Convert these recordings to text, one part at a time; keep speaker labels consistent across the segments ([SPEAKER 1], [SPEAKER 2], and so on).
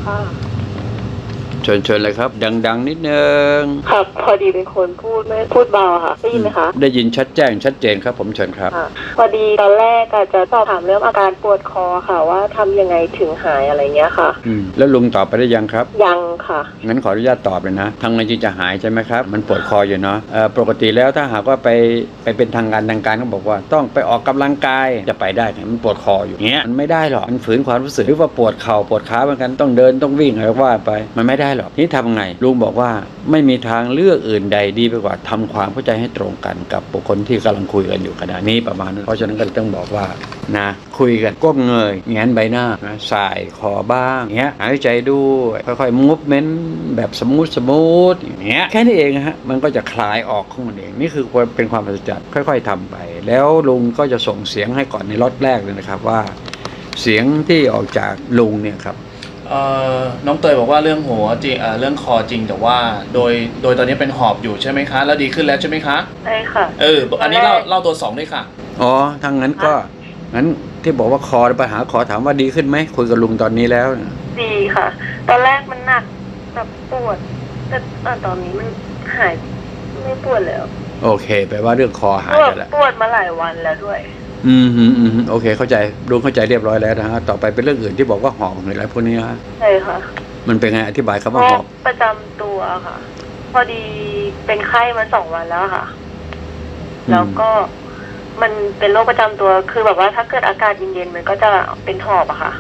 [SPEAKER 1] ค่ะ
[SPEAKER 2] เชิญเลยครับดังนิดนึง
[SPEAKER 1] ครับพอดีเป็นคนไม่พูดเบาค่ะได้ยินไหมคะ
[SPEAKER 2] ได้ยินชัดแจ้งชัดเจนครับผมเชิญครับ
[SPEAKER 1] พอดีตอนแรกจะสอบถามเรื่องอาการปวดคอค่ะว่าทำยังไงถึงหายอะไรเงี้ยค่ะ
[SPEAKER 2] แล้วลุงตอบไปได้ยังครับ
[SPEAKER 1] ยังค่ะ
[SPEAKER 2] งั้นขออนุญาตตอบเลยนะทางไงจึงจะหายใช่ไหมครับมันปวดคออยู่เนาะปกติแล้วถ้าหากว่าไปเป็นทางการก็บอกว่าต้องไปออกกำลังกายจะไปได้มันปวดคออยู่เงี้ยมันไม่ได้หรอกมันฝืนความรู้สึกหรือว่าปวดเข่าปวดขาเหมือนกันต้องเดินต้องวิ่งอะไรว่าไปมันไม่ได้หรอกนี่ทำไงลุงบอกว่าไม่มีทางเลือกอื่นใดดีไปกว่าทำความเข้าใจให้ตรงกันกับบุคคลที่กำลังคุยกันอยู่ขณะนี้ประมาณนั้นเพราะฉะนั้นก็ต้องบอกว่านะคุยกันก้มเงยแงนใบหน้านะสายคอบ้างเงี้ยหายใจด้วยค่อยๆมูฟเมนต์แบบสมูทอย่างเงี้ยแค่นี้เองฮะมันก็จะคลายออกของมันเองนี่คือเป็นความประจักษ์ค่อยๆทำไปแล้วลุงก็จะส่งเสียงให้ก่อนในล็อตแรกเลยนะครับว่าเสียงที่ออกจากลุงเนี่ยครับ
[SPEAKER 3] น้องเตยบอกว่าเรื่องหัวจริงเรื่องคอจริงแต่ว่าโดยตอนนี้เป็นหอบอยู่ใช่ไหมคะแล้วดีขึ้นแล้วใช่ไหมคะ
[SPEAKER 1] ใช่ค่ะ
[SPEAKER 3] อันนี้เล่าตัว2ด้วยค่ะ
[SPEAKER 2] อ๋อทางนั้นก็งั้นที่บอกว่าคอปัญหาคอถามว่าดีขึ้นไหมคุยกับลุงตอนนี้แล้ว
[SPEAKER 1] ดีค่ะตอนแรกมันหนักแบบปวดแต่ตอนนี้มันหายไม่ปวดแล้ว
[SPEAKER 2] โอเคแปลว่าเรื่องคอหายไปแล้ว
[SPEAKER 1] ปวดมาหลายวันแล้วด้วย
[SPEAKER 2] โอเคเข้าใจลุงเข้าใจเรียบร้อยแล้วนะฮะต่อไปเป็นเรื่องอื่นที่บอกว่าหอบหรืออะไรพวกนี้ฮะ
[SPEAKER 1] ใช่ค่ะ
[SPEAKER 2] มันเป็นไงอธิบายคำว่าหอบ
[SPEAKER 1] ประจำตัวค่ะพอดีเป็นไข้มา2 วันแล้วค่ะแล้วก็มันเป็นโรคประจำตัวคือแบบว่าถ้าเกิดอากาศเย็นๆมันก็จะเป็นหอบอะค่ะ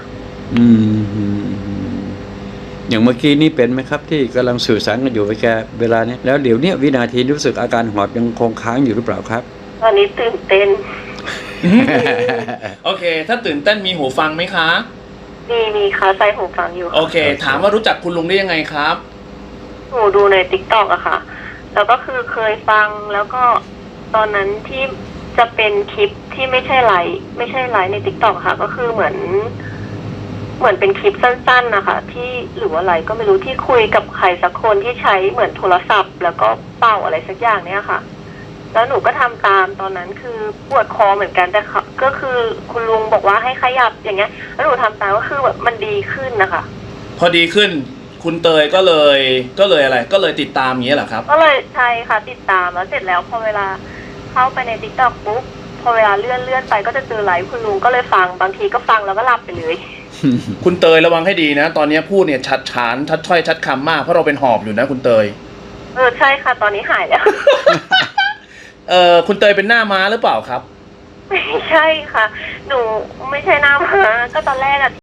[SPEAKER 2] อย่างเมื่อกี้นี่เป็นไหมครับที่กำลังสื่อสารกันอยู่ไปแกเวลานี้แล้วเดี๋ยวนี้วินาทีรู้สึกอาการหอบยังคงค้างอยู่หรือเปล่าครับ
[SPEAKER 1] ตอนนี้ตื่นเต้น
[SPEAKER 3] โอเคถ้าตื่นเต้นมีหูฟังไหมคะ
[SPEAKER 1] มีค่ะใส่หูฟังอยู่
[SPEAKER 3] โอเคถามว่ารู้จักคุณลุงได้ยังไงครับ
[SPEAKER 1] หนูดูใน TikTok อะค่ะแล้วก็คือเคยฟังแล้วก็ตอนนั้นที่จะเป็นคลิปที่ไม่ใช่ไลฟ์ใน TikTok ค่ะก็คือเหมือนเป็นคลิปสั้นๆนะคะที่หรือว่าอะไรก็ไม่รู้ที่คุยกับใครสักคนที่ใช้เหมือนโทรศัพท์แล้วก็เป่าอะไรสักอย่างเนี่ยค่ะแล้วหนูก็ทำตามตอนนั้นคือปวดคอเหมือนกันแต่ก็คือคุณลุงบอกว่าให้ขยับอย่างเงี้ยแล้วหนูทำตามก็คือแบบมันดีขึ้นนะคะ
[SPEAKER 3] พอดีขึ้นคุณเตยก็เลยอะไรก็เลยติดตามอย่างเงี้ยเหรอครับ
[SPEAKER 1] ก็เลยใช่ค่ะติดตามแล้วเสร็จแล้วพอเวลาเข้าไปใน TikTok ปุ๊บพอเวลาเลื่อนไปก็จะเจอไลฟ์คุณลุงก็เลยฟังบางทีก็ฟังแล้วก็หลับไปเลย
[SPEAKER 3] คุณเตยระวังให้ดีนะตอนนี้พูดเนี่ยชัดฉานชัดถ้อยชัดคำมากเพราะเราเป็นหอบอยู่นะคุณเตย
[SPEAKER 1] ใช่ค่ะตอนนี้หายแล้ว
[SPEAKER 3] คุณเตยเป็นหน้าม้าหรือเปล่าครับ
[SPEAKER 1] ไม่ใช่ค่ะหนูไม่ใช่หน้าม้าก็ตอนแรกอะ